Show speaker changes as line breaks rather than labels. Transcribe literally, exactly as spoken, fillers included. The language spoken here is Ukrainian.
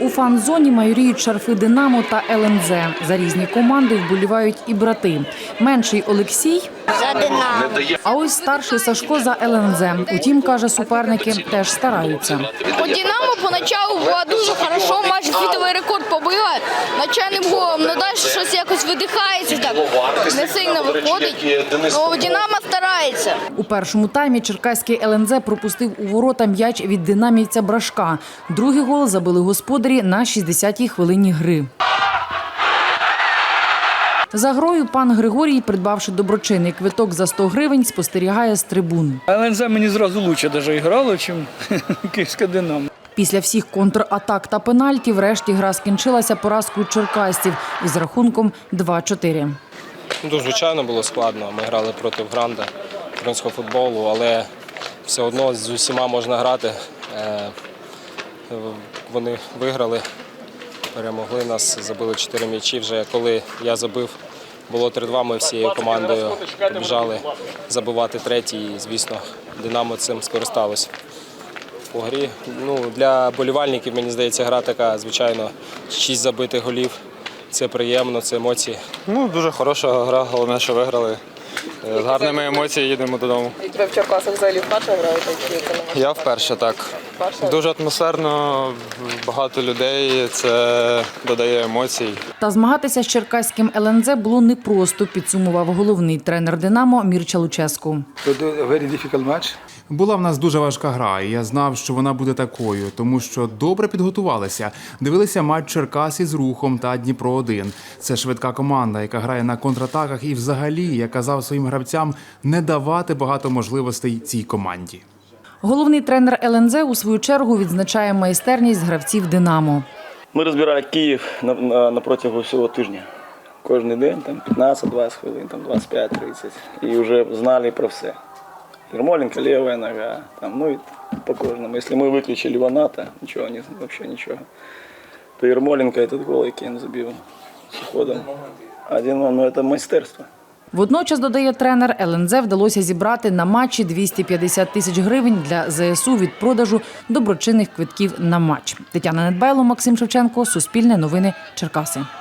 У фан-зоні майоріють шарфи «Динамо» та ел ен зет. За різні команди вболівають і брати. Менший Олексій
За «Динамо».
А ось старший Сашко за ел ен зет. Утім, каже, суперники теж стараються.
У «Динамо» поначалу було дуже хорошо, майже світовий рекорд побила начальним голом, але далі щось якось видихається, так не сильно виходить, але «Динамо» старається.
У першому таймі черкаський ел ен зет пропустив у ворота м'яч від динамівця Брашка. Другий гол забили господарі на шістдесятій хвилині гри. За грою пан Григорій, придбавши доброчинний квиток за сто гривень, спостерігає з трибун.
ел ен зет мені зразу краще навіть грало, ніж київське «Динамо».
Після всіх контратак та пенальті врешті гра скінчилася поразкою черкасців із рахунком два-чотири.
Ну, звичайно, було складно. Ми грали проти Гранда, українського футболу, але все одно з усіма можна грати. Вони виграли, перемогли нас, забили чотири м'ячі. Вже коли я забив, було три-два, ми всією командою побіжали забивати третій. І, звісно, «Динамо» цим скористалося. По грі, ну, для болівальників, мені здається, гра така, звичайно, шість забитих голів. Це приємно, це емоції.
Ну, дуже хороша гра, головне, що виграли. З гарними емоціями їдемо додому.
І тебе в Черкасах взагалі вперше грають?
Я вперше, так. Дуже атмосферно, багато людей, це додає емоцій.
Та змагатися з черкаським ел ен зет було непросто, підсумував головний тренер «Динамо» Мірча Луческу.
Була в нас дуже важка гра, і я знав, що вона буде такою, тому що добре підготувалися. Дивилися матч Черкас із Рухом та Дніпро один. Це швидка команда, яка грає на контратаках і взагалі, я казав своїм гравцям, не давати багато можливостей цій команді.
Головний тренер ел ен зет у свою чергу відзначає майстерність гравців «Динамо».
Ми розбирали Київ на, на, на протягу всього тижня. Кожен день там п'ятнадцять-двадцять хвилин, там двадцять п'ять тридцять. І вже знали про все. Ермоленко, левая нога, там, ну и по кожному. Если мы выключили Ваната, ничего, не, вообще ничего, то Ермоленко этот гол, який він забив з уходом, один, ну это майстерство.
Водночас, додає тренер, ел ен зет вдалося зібрати на матчі двісті п'ятдесят тисяч гривень для зе ес у від продажу доброчинних квитків на матч. Тетяна Недбайло, Максим Шевченко, Суспільне новини, Черкаси.